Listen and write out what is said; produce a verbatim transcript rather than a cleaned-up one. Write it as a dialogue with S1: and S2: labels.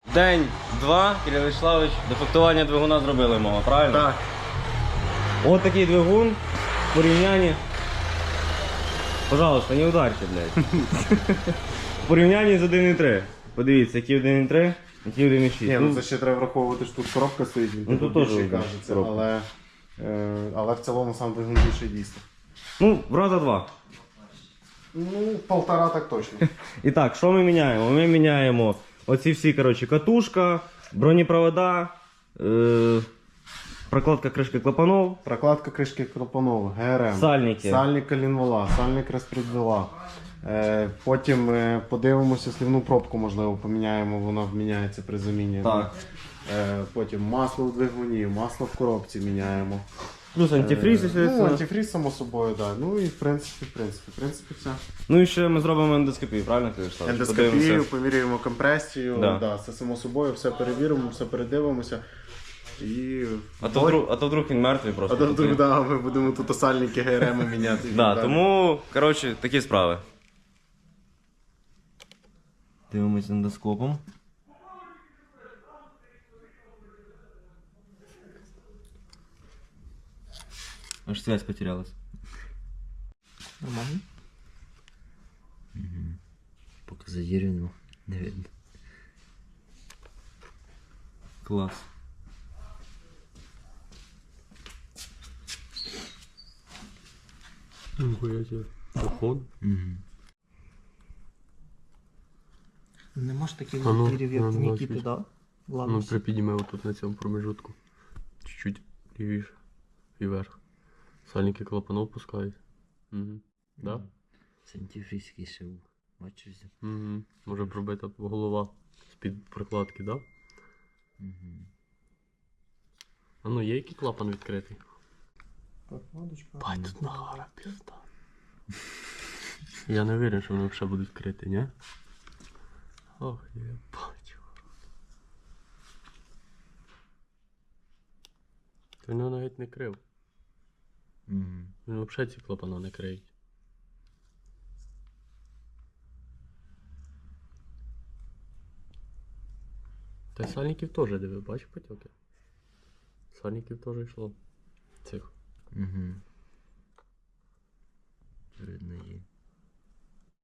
S1: День-два, Кирилл Вячеславович, дефектування двигуна зробили мого, правильно?
S2: Так.
S1: От такий двигун в порівнянні. Пожалуйста, не ударьте, блядь. В порівнянні з один і три. Подивіться, який один і три, який один і шість.
S2: Ні, ну це ще треба враховувати, що тут коробка стоїть, він
S1: Ну, тут
S2: тут
S1: теж
S2: більше
S1: видно,
S2: кажеться,
S1: коробка.
S2: але, е, але в цілому сам двигун більше дійсно.
S1: Ну, в раза два.
S2: Ну, полтора так точно.
S1: І так, що ми міняємо? Ми міняємо оці всі, коротше, катушка, бронепровода, е, прокладка кришки клапанов,
S2: Прокладка кришки клапанов, ГРМ,
S1: Сальники.
S2: сальник колінвала, сальник розпредвала. Е, потім е, подивимося слівну пробку, можливо, поміняємо, вона міняється при заміні.
S1: Так.
S2: Е, потім масло в двигуні, масло в коробці міняємо.
S1: Плюс антифриз,
S2: Е, ну,
S1: естественно.
S2: антифриз, само собою, так. Да. Ну і в принципі, в принципі, в принципі, все.
S1: Ну і ще ми зробимо ендоскопію, правильно ти кажеш?
S2: Ендоскопію,
S1: Подивимося.
S2: поміряємо компресію,
S1: Да.
S2: да, це само собою, все перевіримо, все передивимося. І...
S1: А то, вдруг, а то вдруг він мертвий просто.
S2: А то вдруг, да, ми будемо тут сальники ГРМ міняти. і
S1: Да,
S2: так далі.
S1: тому, коротше, такі справи. Дивимось ендоскопом. Аж связь потерялась.
S3: Нормально? Угу. Поки задірено, не видно.
S1: Класс.
S4: Нихуя себе. Поход.
S3: Угу. Нема ж таких
S4: А ну,
S3: вампірів, як
S4: ну,
S3: в
S4: ну,
S3: Нікіти,
S4: чуть.
S3: да?
S4: Ну,
S3: Ладно.
S4: припідніми отут на цьому промежутку. Чуть-чуть лівіше і вверх. Сальники клапанов пускають. Угу. Да?
S3: Це антифризький ще був. Бачиш?
S4: Угу. Може пробита голова з-під прокладки, да?
S3: Угу.
S4: А ну є який клапан відкритий?
S2: Прокладочка.
S4: Бать, тут нагара пізда. Я не вірю, що вони взагалі будуть відкриті, ні? Ох, єбать. Він його навіть не крив.
S3: Угу.
S4: Він взагалі ці клапана не криють. Та й сальників теж диви, бачиш потеки? Сальників теж йшло. Цих.
S3: Угу. Видно є.